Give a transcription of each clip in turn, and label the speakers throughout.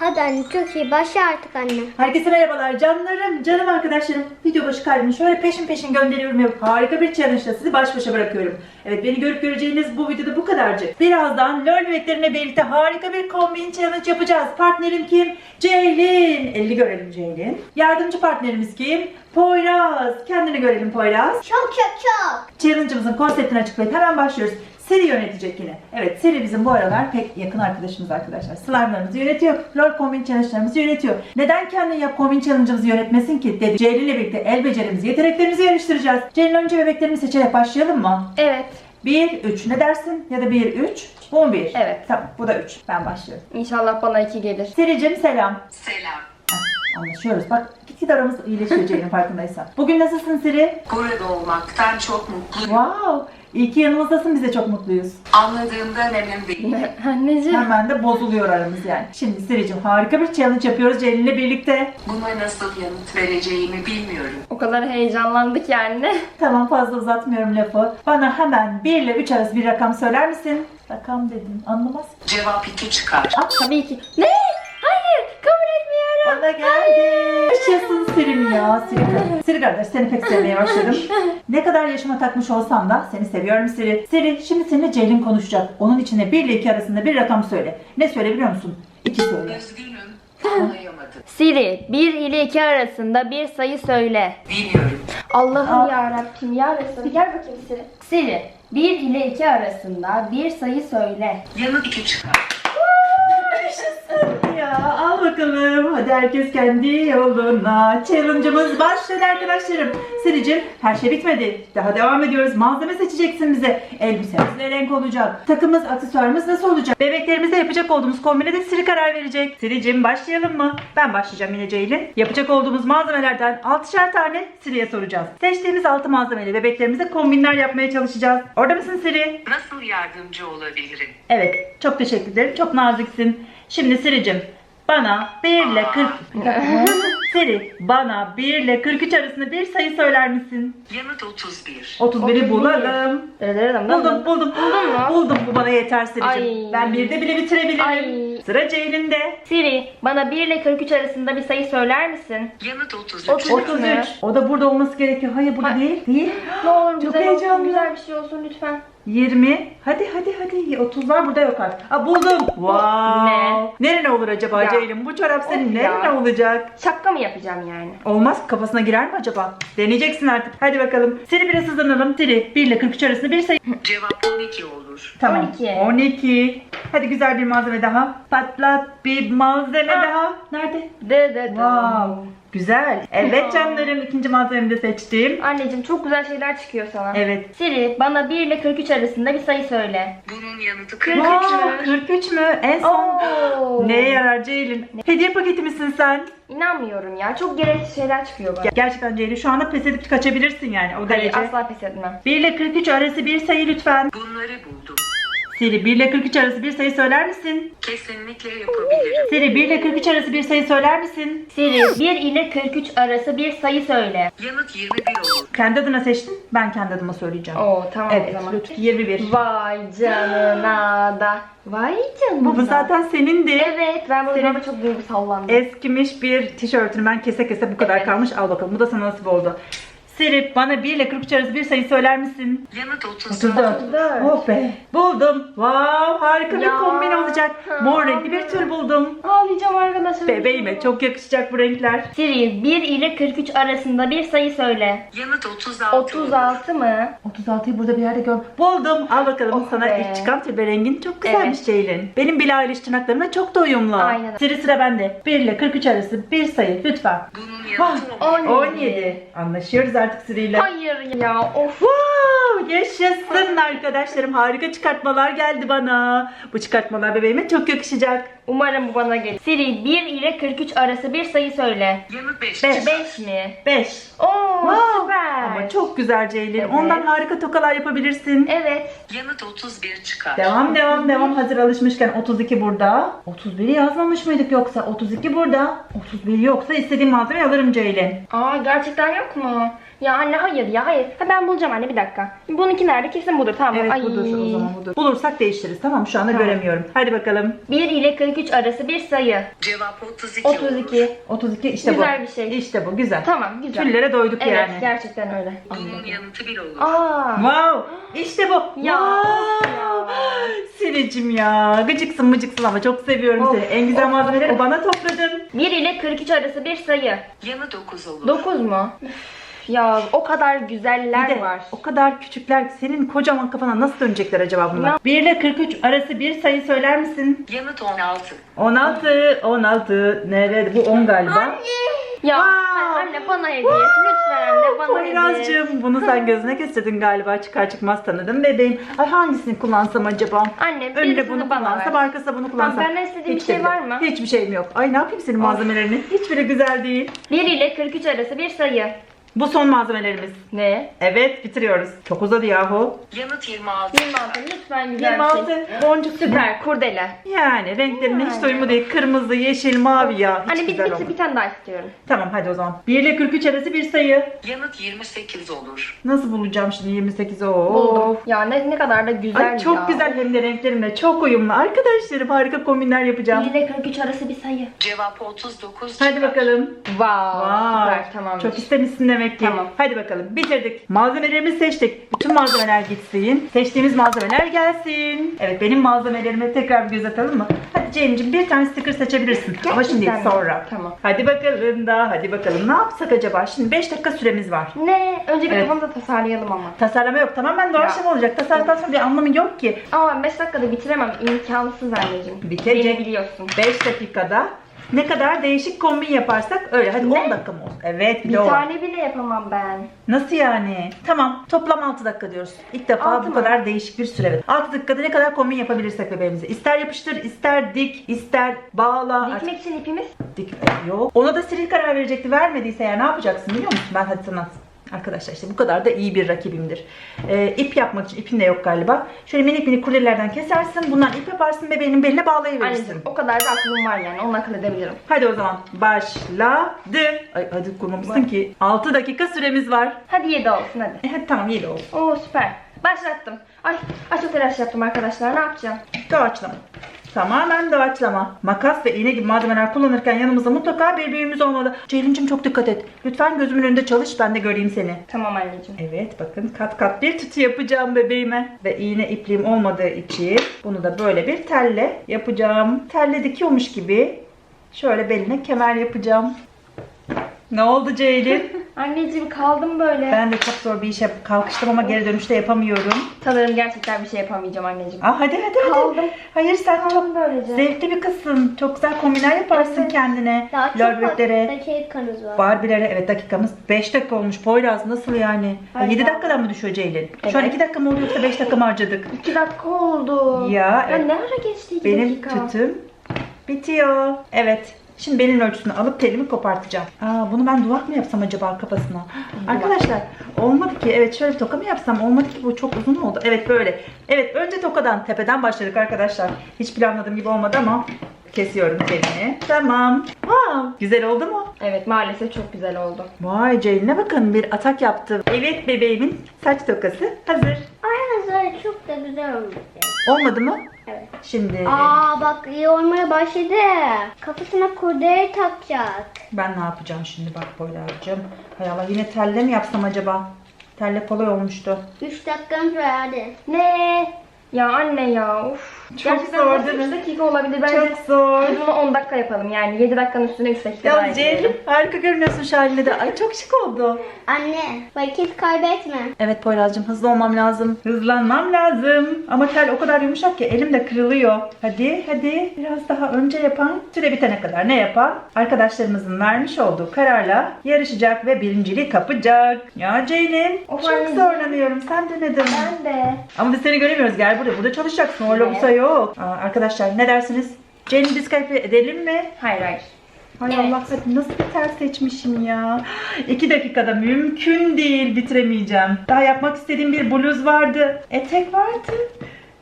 Speaker 1: Hadi anne, çok iyi. Başla artık anne.
Speaker 2: Herkese merhabalar canlarım, canım arkadaşlarım. Video başı kalbimi şöyle peşin peşin gönderiyorum ve harika bir challenge ile sizi baş başa bırakıyorum. Evet, beni görüp göreceğiniz bu videoda bu kadarcık. Birazdan LOL bebeklerimle birlikte harika bir kombin challenge yapacağız. Partnerim kim? Ceylin. Elini görelim Ceylin. Yardımcı partnerimiz kim? Poyraz. Kendini görelim Poyraz.
Speaker 1: Çok.
Speaker 2: Challenge'ımızın konseptini açıklayıp hemen başlıyoruz. Seri yönetecek yine. Evet, Seri bizim bu aralar pek yakın arkadaşımız arkadaşlar. Slime'larımızı yönetiyor. LOL kombin challenge'larımızı yönetiyor. Neden kendin yap kombin challenge'ımızı yönetmesin ki dedi. Ceylin ile birlikte el becerimizi, yeteneklerimizi yarıştıracağız. Ceylin, önce bebeklerimi seçerek başlayalım mı?
Speaker 3: Evet.
Speaker 2: 1, 3 ne dersin? Ya da 1, 3. Bu mu 1?
Speaker 3: Evet.
Speaker 2: Tamam, bu da 3. Ben başlıyorum.
Speaker 3: İnşallah bana 2 gelir.
Speaker 2: Sericim selam.
Speaker 4: Selam.
Speaker 2: Anlaşıyoruz. Bak, gitgide aramız iyileşiyor Ceylin, farkındaysan. Bugün nasılsın Seri?
Speaker 4: Burada olmaktan çok mutluyum.
Speaker 2: Wow. İyi ki yanımızdasın, biz de çok mutluyuz.
Speaker 4: Anladığımdan emin değilim.
Speaker 3: Anneciğim.
Speaker 2: Hemen de bozuluyor aramız yani. Şimdi Sericim, harika bir challenge yapıyoruz Ceylin'le birlikte.
Speaker 4: Buna nasıl yanıt vereceğimi bilmiyorum.
Speaker 3: O kadar heyecanlandık ki anne.
Speaker 2: Tamam, fazla uzatmıyorum lafı. Bana hemen 1 ile 3 arası bir rakam söyler misin? Rakam dedim, anlamaz.
Speaker 4: Cevap 2 çıkar.
Speaker 3: Tabii ki. Ne? Hayır, kabul etmiyorum.
Speaker 2: Bana geldi. Yaşasın Siri'm ya. Siri kardeş, seni pek sevmeye başladım. Ne kadar yaşıma takmış olsam da seni seviyorum Siri. Siri, şimdi seninle Ceylin konuşacak. Onun içine 1 ile 2 arasında bir rakam söyle. Ne söyle biliyor musun? 2 söyle.
Speaker 4: Üzgünüm. Anlayamadım.
Speaker 3: Siri, 1 ile 2 arasında bir sayı söyle.
Speaker 4: Bilmiyorum.
Speaker 3: Allah'ım ya Rabbim ya Resulü, gel bakayım Siri. Siri, 1 ile 2 arasında bir sayı söyle.
Speaker 4: Yanıt 2 çıkar.
Speaker 2: Ya al bakalım. Hadi herkes kendi yoluna. Challenge'ımız başladı arkadaşlarım. Siricim, her şey bitmedi. Daha devam ediyoruz. Malzeme seçeceksin bize. Elbisemiz ne renk olacak? Takımız, aksesuarımız nasıl olacak? Bebeklerimizde yapacak olduğumuz kombine de Siri karar verecek. Siricim, başlayalım mı? Ben başlayacağım yine Ceylin. Yapacak olduğumuz malzemelerden 6'şer tane Siri'ye soracağız. Seçtiğimiz 6 malzemeyle bebeklerimize kombinler yapmaya çalışacağız. Orada mısın Siri?
Speaker 4: Nasıl yardımcı olabilirim?
Speaker 2: Evet, çok teşekkür ederim. Çok naziksin. Şimdi Siricim, bana 1 ile 40... Siri, bana 1 ile 43 arasında bir sayı söyler misin?
Speaker 4: Yanıt 31.
Speaker 2: 31'i bulalım. Buldum.
Speaker 3: Buldun mu?
Speaker 2: Buldum, bu bana yeter Siricim.
Speaker 3: Ay.
Speaker 2: Ben 1'de bile bitirebilirim.
Speaker 3: Ay.
Speaker 2: Sıra Ceylin'de.
Speaker 3: Siri, bana 1 ile 43 arasında bir sayı söyler misin?
Speaker 4: Yanıt 33.
Speaker 2: 33. O da burada olması gerekiyor. Hayır, burada
Speaker 3: Ay.
Speaker 2: değil. Değil.
Speaker 3: Ne olur
Speaker 2: Çok
Speaker 3: güzel
Speaker 2: heyecanlı.
Speaker 3: olsun, güzel bir şey olsun lütfen.
Speaker 2: 20. Hadi. 30'lar burada yok artık. Aa, buldum. Wow.
Speaker 3: Ne?
Speaker 2: Nerene olur acaba
Speaker 3: Ya.
Speaker 2: Ceylin? Bu çorap senin
Speaker 3: Of
Speaker 2: nerene
Speaker 3: ya.
Speaker 2: olacak?
Speaker 3: Şaka mı yapacağım yani?
Speaker 2: Olmaz, kafasına girer mi acaba? Deneyeceksin artık. Hadi bakalım. Seni biraz hızlanalım. Siri 1 ile 43 arasında bir sayı.
Speaker 4: Cevap 12 olur.
Speaker 2: Tamam.
Speaker 3: 12.
Speaker 2: 12. Hadi güzel bir malzeme daha. Patlat bir malzeme daha. Nerede? Wow. Güzel. Evet canlarım, ikinci malzememi de seçtim.
Speaker 3: Anneciğim, çok güzel şeyler çıkıyor sana.
Speaker 2: Evet.
Speaker 3: Siri, bana 1 ile 43 arasında bir sayı söyle.
Speaker 4: Bunun yanıtı
Speaker 3: 43
Speaker 2: Wow,
Speaker 3: mü?
Speaker 2: 43 mü? En son.
Speaker 3: Oo.
Speaker 2: Neye yarar Ceylin? Hediye paketi misin sen?
Speaker 3: İnanmıyorum ya. Çok gereksiz şeyler çıkıyor bana.
Speaker 2: Gerçekten Ceylin, şu anda pes edip kaçabilirsin yani, o
Speaker 3: Hayır,
Speaker 2: derece.
Speaker 3: asla pes etmem.
Speaker 2: 1 ile 43 arası bir sayı lütfen.
Speaker 4: Bunları buldum.
Speaker 2: Siri 1 ile 43 arası bir sayı söyler misin?
Speaker 4: Kesinlikle yapabilirim.
Speaker 2: Siri 1 ile 43 arası bir sayı söyler misin?
Speaker 3: Siri, 1 ile 43 arası bir sayı söyle.
Speaker 4: Yanıt 21 olur.
Speaker 2: Kendi adına seçtin, ben kendi adıma söyleyeceğim.
Speaker 3: Oo, tamam o
Speaker 2: Evet,
Speaker 3: zaman.
Speaker 2: lütfen 21.
Speaker 3: Vay canına da. Vay canına.
Speaker 2: Bu zaten senindi.
Speaker 3: Evet, ben bu
Speaker 2: Senin-
Speaker 3: videoda çok duygusallandım.
Speaker 2: Eskimiş bir tişörtünü ben kese bu kadar
Speaker 3: Evet.
Speaker 2: kalmış. Al bakalım, bu da sana nasip oldu. Siri, bana 1 ile 43 arası bir sayı söyler misin?
Speaker 4: Yanıt 34.
Speaker 2: 34. Oh be. Buldum. Wow, harika bir
Speaker 3: Ya.
Speaker 2: kombin olacak. Mor renkli bir tül buldum.
Speaker 3: Ağlayacağım arkadaşlar.
Speaker 2: Bebeğime çok yakışacak bu renkler.
Speaker 3: Siri, 1 ile 43 arasında bir sayı söyle.
Speaker 4: Yanıt 36 olur.
Speaker 3: 36 mı?
Speaker 2: 36'yı burada bir yerde gör. Buldum. Al bakalım,
Speaker 3: Oh
Speaker 2: sana
Speaker 3: be.
Speaker 2: ilk çıkan tülbe rengin çok güzelmiş
Speaker 3: Evet.
Speaker 2: Ceylin. Benim Billie Eilish tırnaklarımla çok da uyumlu.
Speaker 3: Aynen.
Speaker 2: Siri, sıra bende. 1 ile 43 arası bir sayı lütfen.
Speaker 4: Bunun
Speaker 2: Ah,
Speaker 4: yanıtı
Speaker 2: 17. Anlaşıyoruz artık Siri ile.
Speaker 3: Hayır ya, of.
Speaker 2: Wow, yaşasın arkadaşlarım. Harika çıkartmalar geldi bana. Bu çıkartmalar bebeğime çok yakışacak.
Speaker 3: Umarım bu bana gelir. Siri, 1 ile 43 arası bir sayı söyle.
Speaker 4: Yanıt 5.
Speaker 2: 5.
Speaker 3: 5 mi?
Speaker 2: 5.
Speaker 3: Oo,
Speaker 2: Wow.
Speaker 3: süper.
Speaker 2: Ama çok güzel Ceylin.
Speaker 3: Evet.
Speaker 2: Ondan harika tokalar yapabilirsin.
Speaker 3: Evet.
Speaker 4: Yanıt 31 çıkar.
Speaker 2: Devam. Hazır alışmışken 32 burada. 31'i yazmamış mıydık yoksa? 32 burada. 31 yoksa istediğim malzemeyi alırım Ceylin.
Speaker 3: Aa, gerçekten yok mu? Ya anne hayır ya hayır. Ha, ben bulacağım anne bir dakika. Bununki nerede? Kesin budur tamam.
Speaker 2: Evet
Speaker 3: Ay.
Speaker 2: budur o zaman budur. Bulursak değiştiririz tamam mı? Şu anda
Speaker 3: Tamam.
Speaker 2: göremiyorum. Hadi bakalım.
Speaker 3: 1 ile 43 arası bir sayı.
Speaker 4: Cevap 32 olur.
Speaker 3: 32.
Speaker 2: 32 işte
Speaker 3: Güzel
Speaker 2: bu.
Speaker 3: bir şey.
Speaker 2: İşte bu güzel.
Speaker 3: Tamam güzel.
Speaker 2: Tüllere doyduk
Speaker 3: Evet
Speaker 2: yani.
Speaker 3: gerçekten öyle.
Speaker 4: Bunun yanıtı 1 olur.
Speaker 3: Aa.
Speaker 2: Wow! İşte bu.
Speaker 3: Ya.
Speaker 2: Wow! Siricim ya. Gıcıksın mıcıksın ama çok seviyorum
Speaker 3: Of,
Speaker 2: seni. En güzel
Speaker 3: of,
Speaker 2: malzemeleri
Speaker 3: of.
Speaker 2: bana topladın.
Speaker 3: 1 ile 43 arası bir sayı.
Speaker 4: Yanı 9 olur.
Speaker 3: 9 mu? Üf, ya o kadar
Speaker 2: Bir
Speaker 3: güzeller
Speaker 2: de
Speaker 3: var.
Speaker 2: o kadar küçükler senin kocaman kafana nasıl dönecekler acaba bunlar? 1 ile 43 arası bir sayı söyler misin?
Speaker 4: Yanıt 16.
Speaker 2: 16 nerede? Bu 10 galiba.
Speaker 3: Ya
Speaker 2: Wow.
Speaker 3: anne bana hediye. Lütfen anne bana hediye.
Speaker 2: Poyraz'cığım bunu sen gözüne kestirdin galiba, çıkar çıkmaz tanıdım bebeğim. Ay hangisini kullansam acaba?
Speaker 3: Anne
Speaker 2: Önüne
Speaker 3: birisini
Speaker 2: bunu
Speaker 3: bana
Speaker 2: kullansam
Speaker 3: ver.
Speaker 2: arkasına bunu kullansam.
Speaker 3: Tamam, benden istediğin bir
Speaker 2: Hiç de
Speaker 3: şey
Speaker 2: bile.
Speaker 3: var mı?
Speaker 2: Hiçbir şeyim yok. Ay ne yapayım senin malzemelerini? Hiçbiri güzel değil.
Speaker 3: 1 ile 43 arası bir sayı.
Speaker 2: Bu son malzemelerimiz.
Speaker 3: Ne?
Speaker 2: Evet bitiriyoruz. Çok uzadı yahu.
Speaker 4: Yanıt 26.
Speaker 3: 26 lütfen güzel
Speaker 2: 26
Speaker 3: bir şey.
Speaker 2: boncuk
Speaker 3: Süper kurdele.
Speaker 2: Yani renklerine hiç
Speaker 3: Yani.
Speaker 2: doyumu değil. Kırmızı, yeşil, mavi ya. Hiç
Speaker 3: Anne
Speaker 2: güzel
Speaker 3: bir
Speaker 2: olmadı.
Speaker 3: tane daha istiyorum.
Speaker 2: Tamam hadi o zaman. 1 ile 43 arası bir sayı.
Speaker 4: Yanıt 28 olur.
Speaker 2: Nasıl bulacağım şimdi 28'i?
Speaker 3: Buldum. Ya ne kadar da güzel
Speaker 2: Ay çok
Speaker 3: ya.
Speaker 2: güzel hem de renklerimle çok uyumlu. Arkadaşlarım harika kombinler
Speaker 3: 1
Speaker 2: yapacağım.
Speaker 3: ile 43 arası bir sayı.
Speaker 4: Cevap 39
Speaker 2: Hadi
Speaker 4: çıkar.
Speaker 2: bakalım.
Speaker 3: Wow,
Speaker 2: Vay,
Speaker 3: süper tamamdır.
Speaker 2: çok istemişsin demek ki.
Speaker 3: Tamam.
Speaker 2: Hadi bakalım bitirdik. Malzemelerimizi seçtik. Bütün malzemeler gitsin. Seçtiğimiz malzemeler gelsin. Evet benim malzemelerime tekrar bir göz atalım mı? Hadi Ceylin'cim bir tane sticker seçebilirsin. Ama şimdi değil,
Speaker 3: Gerçekten mi?
Speaker 2: sonra.
Speaker 3: Tamam.
Speaker 2: Hadi bakalım da hadi bakalım ne yapsak acaba? Şimdi 5 dakika süremiz var.
Speaker 3: Ne? Önce bir
Speaker 2: Evet.
Speaker 3: kafamda tasarlayalım ama.
Speaker 2: Tasarlama yok. Tamamen doğaçlama olacak. Tasarlamaktan sonra bir anlamı yok ki.
Speaker 3: Ama 5 dakikada bitiremem. İmkansız anneciğim.
Speaker 2: Bitecek.
Speaker 3: Beni biliyorsun.
Speaker 2: 5 dakikada ne kadar değişik kombin yaparsak öyle. Hadi 10 dakika mı olsun? Evet bir
Speaker 3: Bir
Speaker 2: de o var.
Speaker 3: tane bile yapamam ben.
Speaker 2: Nasıl yani? Tamam toplam 6 dakika diyoruz. İlk defa
Speaker 3: 6
Speaker 2: bu
Speaker 3: mı?
Speaker 2: kadar değişik bir süre. Evet. 6 dakikada ne kadar kombin yapabilirsek bebeğimize. İster yapıştır, ister dik, ister bağla.
Speaker 3: Dikmek için ipimiz.
Speaker 2: Dik yok. Ona da Siril karar verecekti. Vermediyse ya ne yapacaksın biliyor musun? Ben hadi sana arkadaşlar işte bu kadar da iyi bir rakibimdir. İp yapmak için ipin de yok galiba. Şöyle minik minik kurdelerden kesersin. Bundan ip yaparsın bebeğinin beline bağlayıverirsin.
Speaker 3: Anneciğim o kadar da aklım var yani. Onu akıl edebilirim.
Speaker 2: Hadi o zaman başladı. Ay hadi kurmamışsın ki. 6 dakika süremiz var.
Speaker 3: Hadi 7 olsun hadi.
Speaker 2: Hadi tamam 7 olsun.
Speaker 3: Oo süper. Başlattım. Ay çok telaş yaptım arkadaşlar. Ne yapacağım?
Speaker 2: Doğaçlama. Tamamen doğaçlama. Makas ve iğne gibi malzemeler kullanırken yanımızda mutlaka bir büyüğümüz olmalı. Ceylin'cim çok dikkat et. Lütfen gözümün önünde çalış ben de göreyim seni.
Speaker 3: Tamam anneciğim.
Speaker 2: Evet bakın kat kat bir tütü yapacağım bebeğime. Ve iğne ipliğim olmadığı için bunu da böyle bir telle yapacağım. Telle dikiyormuş gibi şöyle beline kemer yapacağım. Ne oldu Ceylin?
Speaker 3: Anneciğim kaldım böyle.
Speaker 2: Ben de çok zor bir işe kalkıştım ama geri dönüşte yapamıyorum.
Speaker 3: Sanırım gerçekten bir şey yapamayacağım anneciğim.
Speaker 2: Hadi.
Speaker 3: Kaldım.
Speaker 2: Hayır sen çok
Speaker 3: Kaldım böylece.
Speaker 2: zevkli bir kızsın. Çok güzel kombinler yaparsın
Speaker 3: Evet.
Speaker 2: kendine.
Speaker 1: Daha çok
Speaker 2: Lorbetlere,
Speaker 1: dakikamız var.
Speaker 2: Barbie'lere. Evet dakikamız 5 dakika olmuş. Poyraz nasıl yani?
Speaker 3: Ay
Speaker 2: 7
Speaker 3: ya.
Speaker 2: dakikadan mı düşüyor Ceylin? Şu an
Speaker 3: Evet.
Speaker 2: 2 dakika mı oluyor yoksa 5 dakika mı harcadık?
Speaker 3: 2 dakika oldu.
Speaker 2: Ya, evet.
Speaker 3: ne ara geçti 2
Speaker 2: Benim
Speaker 3: dakika?
Speaker 2: tütüm bitiyor. Evet. Şimdi belin ölçüsünü alıp telimi kopartacağım. Bunu ben duvak mı yapsam acaba kafasına? Arkadaşlar olmadı ki. Evet şöyle bir toka mı yapsam? Olmadı ki bu çok uzun oldu. Evet böyle. Evet önce tokadan tepeden başladık arkadaşlar. Hiç planladığım gibi olmadı ama kesiyorum telini. Tamam. Güzel oldu mu?
Speaker 3: Evet maalesef çok güzel oldu.
Speaker 2: Vay Ceylin'e bakın bir atak yaptı. Evet bebeğimin saç tokası hazır.
Speaker 1: Aynen çok da güzel olmuş.
Speaker 2: Olmadı mı?
Speaker 1: Evet.
Speaker 2: Şimdi
Speaker 1: Bak iyi olmaya başladı. Kafasına kurdele takacak.
Speaker 2: ben ne yapacağım şimdi bak Poyraz'cığım. Hay Allah yine telle mi yapsam acaba? Telle kolay olmuştu.
Speaker 1: 3 dakikamız var hadi.
Speaker 3: Ne? Ya anne ya of.
Speaker 2: Çok
Speaker 3: Gerçekten
Speaker 2: zor
Speaker 3: burası
Speaker 2: değil mi?
Speaker 3: 3 dakika olabilir. Bence
Speaker 2: Çok zor.
Speaker 3: biz bunu 10 dakika yapalım yani 7 dakikanın üstüne 3 dakika daha
Speaker 2: Ya Ceylin
Speaker 3: ekleyelim.
Speaker 2: harika görünüyorsun şu haline de. Ay çok şık oldu.
Speaker 1: Anne vakit kaybetme.
Speaker 2: Evet Poyraz'cığım hızlı olmam lazım. Hızlanmam lazım. Ama tel o kadar yumuşak ki elim de kırılıyor. Hadi biraz daha önce yapan süre bitene kadar ne yapan? Arkadaşlarımızın vermiş olduğu kararla yarışacak ve birinciliği kapacak. Ya Ceylin
Speaker 3: Of
Speaker 2: çok
Speaker 3: anneciğim.
Speaker 2: zorlanıyorum. Sen denedin.
Speaker 3: Ben de.
Speaker 2: Ama biz seni göremiyoruz. Gel buraya. Burada çalışacaksın. Orada
Speaker 3: Evet.
Speaker 2: busa yok. Arkadaşlar ne dersiniz? Ceylin'i diskalifiye edelim mi?
Speaker 3: Hayır.
Speaker 2: Hay
Speaker 3: Evet.
Speaker 2: Allah zaten nasıl bir ters seçmişim ya. 2 dakikada mümkün değil bitiremeyeceğim. Daha yapmak istediğim bir bluz vardı. Etek vardı.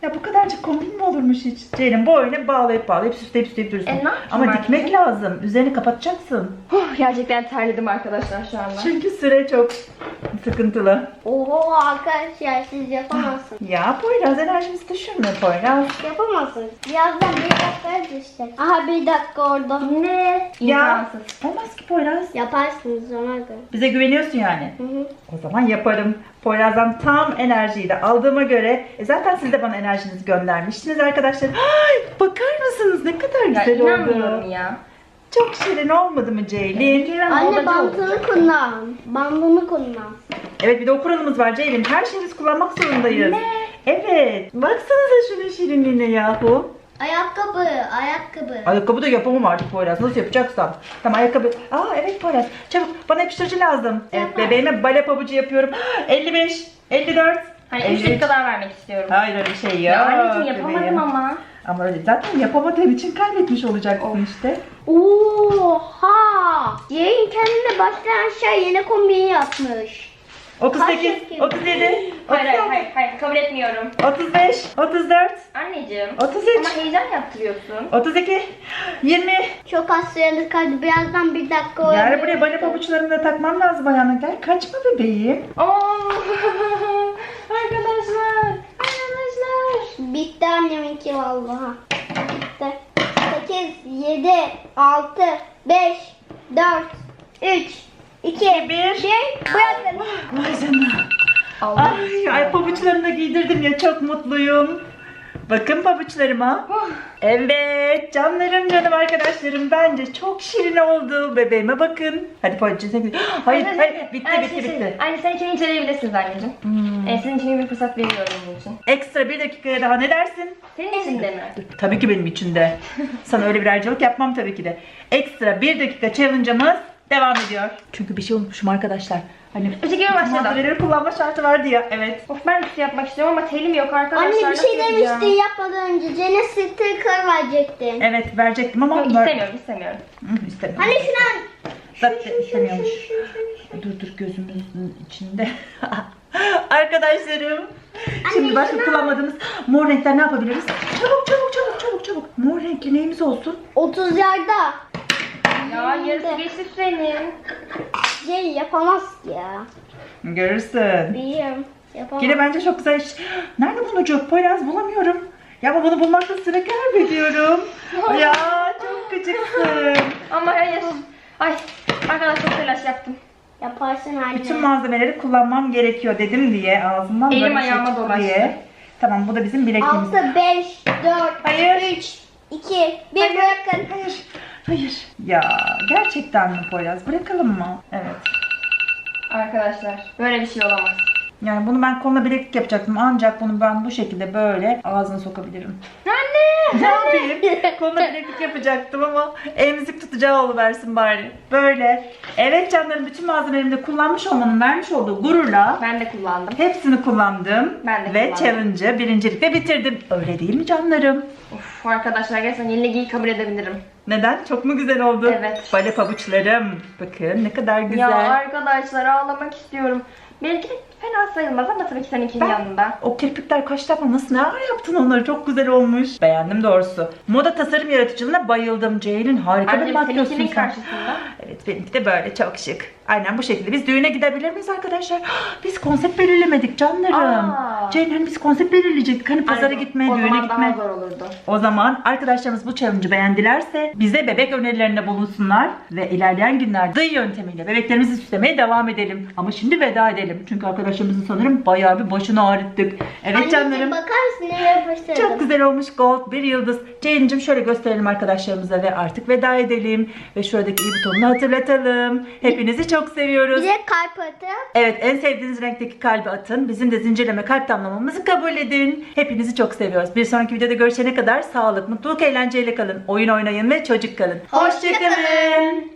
Speaker 2: Ya bu kadarcık kombin mi olurmuş hiç? Ceylin boyuna bağlayıp süsleyip durursun.
Speaker 3: Ne yapayım
Speaker 2: Ama dikmek
Speaker 3: artık?
Speaker 2: lazım. Üzerini kapatacaksın.
Speaker 3: Gerçekten terledim arkadaşlar şu anda.
Speaker 2: Çünkü süre çok sıkıntılı.
Speaker 1: Oho arkadaşlar siz yapamazsınız.
Speaker 2: Ya Poyraz enerjimizi düşürme Poyraz.
Speaker 1: Yapamazsınız. Birazdan bir dakika işte. Aha bir dakika orada.
Speaker 3: Ne?
Speaker 2: Ya
Speaker 3: İmkansız.
Speaker 2: olmaz ki Poyraz.
Speaker 1: Yaparsınız ona göre.
Speaker 2: Bize güveniyorsun yani.
Speaker 1: Hı hı.
Speaker 2: O zaman yaparım. Poyraz'dan tam enerjiyi de aldığıma göre zaten siz de bana enerjinizi göndermiştiniz arkadaşlar. Ay, bakar mısınız ne kadar
Speaker 3: Ya
Speaker 2: güzel
Speaker 3: inanmıyorum
Speaker 2: oldu.
Speaker 3: ya.
Speaker 2: Çok şirin olmadı mı Ceylin?
Speaker 1: Anne bandını kullan. Bandını kullan.
Speaker 2: Evet bir de o kuralımız var Ceylin. Her şeyi biz kullanmak zorundayız.
Speaker 3: Ne?
Speaker 2: Evet. Baksanıza şunun şirinliğine yahu.
Speaker 1: Ayakkabı.
Speaker 2: Ayakkabı da yapamam artık Poyraz. Nasıl yapacaksam. Tamam ayakkabı. Aa evet Poyraz. Çabuk bana yapıştırıcı lazım. Evet
Speaker 1: Yapar.
Speaker 2: bebeğime bale pabucu yapıyorum. 55, 54.
Speaker 3: Hani 3
Speaker 2: 53.
Speaker 3: dakika daha vermek istiyorum.
Speaker 2: Hayır öyle şey yok.
Speaker 3: Ya anneciğim yapamadım
Speaker 2: bebeğim.
Speaker 3: ama.
Speaker 2: Ama öyle zaten yapamadığın için kaybetmiş olacaksın işte.
Speaker 1: Oha! Yayın kendine baştan aşağı yeni kombin yapmış.
Speaker 2: 38,
Speaker 1: Kaç
Speaker 2: 37,
Speaker 3: Hayır kabul etmiyorum.
Speaker 2: 35, 34,
Speaker 3: Anneciğim.
Speaker 2: 33,
Speaker 3: Ama heyecan yaptırıyorsun.
Speaker 2: 32, 20.
Speaker 1: Çok az süreli kaldı. Birazdan bir dakika
Speaker 2: Yani buraya bale pabuçlarımı da takmam lazım ayağına. Gel kaçma bebeğim.
Speaker 3: Oo! Arkadaşlar.
Speaker 1: Bitti anneminki vallahi. Bitti. 8, 7, 6, 5, 4, 3, 2, 1. Bırakın.
Speaker 2: Vay canına.
Speaker 3: Allah.
Speaker 2: Ay pabuçlarını da giydirdim ya çok mutluyum. Bakın pabuçlarıma. Evet canım arkadaşlarım bence çok şirin oldu. Bebeğime bakın. Hadi pabuçlarına gidelim. Hayır bitti.
Speaker 3: Anne sen içini inceleyebilirsiniz anneciğim. Senin için bir fırsat veriyorum bunun için.
Speaker 2: Ekstra bir dakikaya daha ne dersin?
Speaker 3: Senin için de mi?
Speaker 2: Tabii ki benim için de. Sana öyle bir ayrıcalık yapmam tabii ki de. Ekstra bir dakika challenge'ımız devam ediyor. Çünkü bir şey unutmuşum arkadaşlar. Hani
Speaker 3: Öteki başladı.
Speaker 2: malzemeleri kullanma şartı vardı ya. Evet.
Speaker 3: Of ben üstü yapmak istiyorum ama telim yok arkadaşlar.
Speaker 1: Anne bir
Speaker 3: Nasıl
Speaker 1: şey
Speaker 3: yapacağım?
Speaker 1: demiştin yapmadan önce. Cennet sticker verecektin.
Speaker 2: Evet verecektim ama
Speaker 3: Yok istemiyorum.
Speaker 2: istemiyorum.
Speaker 1: Hani şuna
Speaker 2: Zaten istemiyormuş. Dur gözümüzün içinde. Arkadaşlarım. Şimdi başka kullanmadığımız mor renkler ne yapabiliriz? Çabuk. Mor renkli neyimiz olsun?
Speaker 1: 30 yarda.
Speaker 3: Ya yarısı geçti senin.
Speaker 1: Şey yapamaz ki ya.
Speaker 2: Görürsün.
Speaker 1: Biliyorum. Yapamaz.
Speaker 2: Yine bence çok güzel iş. Nerede bunun ucu? Poyraz bulamıyorum. Ya ama bunu bulmakta sıra kaybediyorum. Ya çok gıcıksın.
Speaker 3: Ama hayır. Ay arkadaşlar çok telaş yaptım.
Speaker 1: Yaparsın anne.
Speaker 2: Bütün malzemeleri kullanmam gerekiyor dedim diye ağzımdan
Speaker 3: Elim
Speaker 2: böyle bir şey
Speaker 3: ayağıma
Speaker 2: çıktı
Speaker 3: dolaştı.
Speaker 2: diye. Tamam bu da bizim bilekliğimiz.
Speaker 1: 6, 5, 4,
Speaker 2: Hayır.
Speaker 1: 3, 2, 1 bırakın.
Speaker 2: Hayır. Ya gerçekten mi Poyraz? Bırakalım mı? Evet.
Speaker 3: Arkadaşlar böyle bir şey olamaz.
Speaker 2: Yani bunu ben koluna bileklik yapacaktım ancak bunu ben bu şekilde böyle ağzına sokabilirim.
Speaker 3: Anne!
Speaker 2: Ne yapayım? Koluna bileklik yapacaktım ama emzik tutacağı oluversin bari. Böyle. Evet canlarım bütün malzemelerimi de kullanmış olmanın vermiş olduğu gururla
Speaker 3: Ben de kullandım.
Speaker 2: hepsini kullandım.
Speaker 3: Ben de
Speaker 2: ve
Speaker 3: kullandım.
Speaker 2: challenge'ı birincilikle bitirdim. Öyle değil mi canlarım?
Speaker 3: Of arkadaşlar gerçekten yenilgiyi kabul edebilirim.
Speaker 2: Neden? Çok mu güzel oldu?
Speaker 3: Evet.
Speaker 2: Bale pabuçlarım. Bakın ne kadar güzel.
Speaker 3: Ya arkadaşlar ağlamak istiyorum. Belki de fena sayılmaz ama tabii ki seninkinin yanında.
Speaker 2: O kirpikler kaç defa nasıl neler yaptın onları çok güzel olmuş. Beğendim doğrusu. Moda tasarım yaratıcılığına bayıldım. Ceylin harika bir
Speaker 3: Anne
Speaker 2: makyözsün
Speaker 3: seninkinin
Speaker 2: sen.
Speaker 3: karşısında.
Speaker 2: Evet benimki de böyle çok şık. Aynen bu şekilde. Biz düğüne gidebilir miyiz arkadaşlar? Biz konsept belirlemedik canlarım.
Speaker 3: Aa.
Speaker 2: Ceylin hani biz konsept belirleyecektik. Hani pazara
Speaker 3: Anne,
Speaker 2: gitme,
Speaker 3: o
Speaker 2: düğüne
Speaker 3: zaman
Speaker 2: gitme.
Speaker 3: daha zor olurdu.
Speaker 2: O zaman arkadaşlarımız bu challenge'ı beğendilerse bize bebek önerilerinde bulunsunlar ve ilerleyen günlerde dıy yöntemiyle bebeklerimizi süslemeye devam edelim. Ama şimdi veda edelim. Çünkü arkadaşlarımızın sanırım bayağı bir başını ağrıttık. Evet
Speaker 1: Anneciğim
Speaker 2: canlarım.
Speaker 1: bakar mısın nereye yapıştırdım?
Speaker 2: Çok güzel olmuş gold bir yıldız. Ceylin'cim şöyle gösterelim arkadaşlarımıza ve artık veda edelim. Ve şuradaki i butonunu hatırlatalım. Hepinizi çok seviyoruz.
Speaker 1: Bir de kalp atı.
Speaker 2: Evet en sevdiğiniz renkteki kalbi atın. Bizim de zincirleme kalp damlamamızı kabul edin. Hepinizi çok seviyoruz. Bir sonraki videoda görüşene kadar sağlık, mutluluk, eğlenceyle kalın. Oyun oynayın ve çocuk kalın.
Speaker 1: Hoşça kalın.